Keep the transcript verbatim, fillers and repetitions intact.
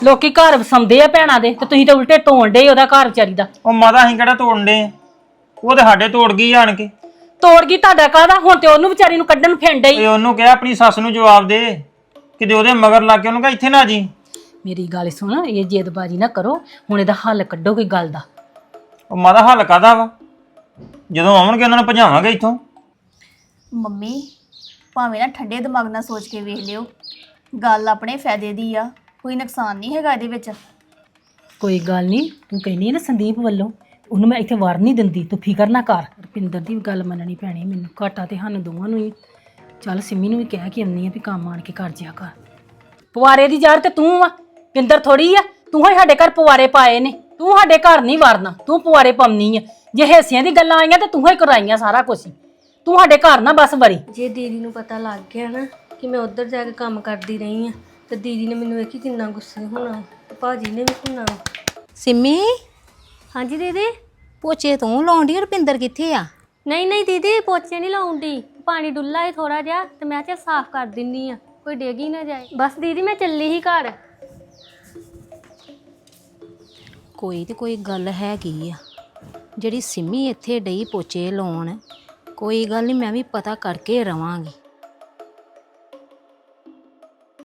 ਲੋਕੀ ਘਰ ਵਸਾਉਂਦੇ ਆ ਭੈਣਾਂ ਦੇ ਤੇ ਤੁਸੀਂ ਤਾਂ ਉਲਟੇ ਤੋੜ ਡੇ ਉਹਦਾ ਘਰ ਵਿਚਾਰੀ ਦਾ। ਉਹ ਮਾਤਾ ਅਸੀਂ ਕਿਹੜਾ ਤੋੜਨ ਡੇ? ਉਹ ਤੇ ਸਾਡੇ ਤੋੜ ਗਈ ਆਣ ਕੇ। ਤੋੜ ਗਈ ਤੁਹਾਡਾ ਕਾਹਦਾ? ਹੁਣ ਤੇ ਉਹਨੂੰ ਵਿਚਾਰੀ ਨੂੰ ਕੱਢਣ ਫਿਰਨ ਡਈ। ਓਏ ਉਹਨੂੰ ਕਿਹਾ ਆਪਣੀ ਸੱਸ ਨੂੰ ਜਵਾਬ ਦੇ, ਕਿਤੇ ਉਹਦੇ ਮਗਰ ਲੱਗ ਕੇ ਉਹਨੂੰ ਕਹ ਇੱਥੇ ਨਾ ਜੀ। ਮੇਰੀ ਗੱਲ ਸੁਣ, ਇਹ ਜੇਦਬਾਜੀ ਨਾ ਕਰੋ, ਹੁਣ ਇਹਦਾ ਹੱਲ ਕੱਢੋ ਕੋਈ ਗੱਲ ਦਾ। ਉਹ ਮਾਤਾ ਹੱਲ ਕਾਹਦਾ ਵਾ? ਜਦੋਂ ਆਉਣਗੇ ਉਹਨਾਂ ਨੂੰ ਭਜਾਵਾਂਗੇ ਇੱਥੋਂ। ਮੰਮੀ ਭਾਵੇਂ ਨਾ ਠੰਡੇ ਦਿਮਾਗ ਨਾਲ ਸੋਚ ਕੇ ਵੇਖ ਲਿਓ, ਗੱਲ ਆਪਣੇ ਫਾਇਦੇ ਦੀ ਆ, ਕੋਈ ਨੁਕਸਾਨ ਨਹੀਂ ਹੈਗਾ ਇਹਦੇ ਵਿੱਚ। ਕੋਈ ਗੱਲ ਨਹੀਂ, ਤੂੰ ਕਹਿੰਦੀ ਹੈ ਨਾ ਸੰਦੀਪ ਵੱਲੋਂ, ਉਹਨੂੰ ਮੈਂ ਇੱਥੇ ਵਾਰ ਨਹੀਂ ਦਿੰਦੀ, ਤੂੰ ਫਿਕਰ ਨਾ ਕਰ। ਰੁਪਿੰਦਰ ਦੀ ਵੀ ਗੱਲ ਮੰਨਣੀ ਪੈਣੀ ਮੈਨੂੰ, ਘਾਟਾ ਤੇ ਸਾਨੂੰ ਦੋਵਾਂ ਨੂੰ ਹੀ। ਚੱਲ ਸਿੰਮੀ ਨੂੰ ਵੀ ਕਹਿ ਕੇ ਆਉਂਦੀ ਆ ਵੀ ਕੰਮ ਆਣ ਕੇ ਕਰ ਜਿਆ ਕਰ। ਪਵਾਰੇ ਦੀ ਯਾਰ ਤੇ ਤੂੰ ਆ, ਪਿੰਦਰ ਥੋੜੀ ਆ। ਤੂੰ ਹੀ ਸਾਡੇ ਘਰ ਪਵਾਰੇ ਪਾਏ ਨੇ, ਤੂੰ ਸਾਡੇ ਘਰ ਨਹੀਂ ਵੜਨਾ, ਤੂੰ ਪਵਾਰੇ ਪਾਉਣੀ ਆ। ਜੇ ਹਿੱਸਿਆਂ ਦੀ ਗੱਲਾਂ ਆਈਆਂ ਤੇ ਤੂੰ ਹੀ ਕਰਾਈਆਂ ਸਾਰਾ ਕੁਝ, ਤੂੰ ਸਾਡੇ ਘਰ ਨਾ ਬਸ ਵਰੀ। ਜੇ ਦੀਦੀ ਨੂੰ ਪਤਾ ਲੱਗ ਗਿਆ ਨਾ ਕਿ ਮੈਂ ਉੱਧਰ ਜਾ ਕੇ ਕੰਮ ਕਰਦੀ ਰਹੀ ਆ ਤੇ ਦੀਦੀ ਨੇ ਮੈਨੂੰ ਵੇਖੀ ਕਿੰਨਾ ਗੁੱਸੇ ਹੋਣਾ, ਭਾਜੀ ਨੇ ਵੀ ਹੋਣਾ। ਸਿੰਮੀ, ਹਾਂਜੀ ਦੀਦੀ। ਪੋਚੇ ਤੂੰ ਲਾਉਂਦੀ? ਰੁਪਿੰਦਰ ਕਿੱਥੇ ਆ? ਨਹੀਂ ਨਹੀਂ ਦੀਦੀ, ਪੋਚੇ ਨਹੀਂ ਲਾਉਂਦੀ, ਪਾਣੀ ਡੁੱਲਾ ਹੈ ਥੋੜਾ ਜਿਹਾ ਤੇ ਮੈਂ ਚੱਲ ਸਾਫ਼ ਕਰ ਦਿੰਨੀ ਆ, ਕੋਈ ਡੇਗੀ ਨਾ ਜਾਏ। ਬਸ ਦੀਦੀ ਮੈਂ ਚੱਲੀ ਹੀ ਘਰ। ਕੋਈ ਤੇ ਕੋਈ ਗੱਲ ਹੈਗੀ ਆ ਜਿਹੜੀ ਸਿੰਮੀ ਇੱਥੇ ਡਈ ਪੋਚੇ ਲਾਉਣ। ਕੋਈ ਗੱਲ ਨਹੀਂ, ਮੈਂ ਵੀ ਪਤਾ ਕਰਕੇ ਰਵਾਂਗੀ।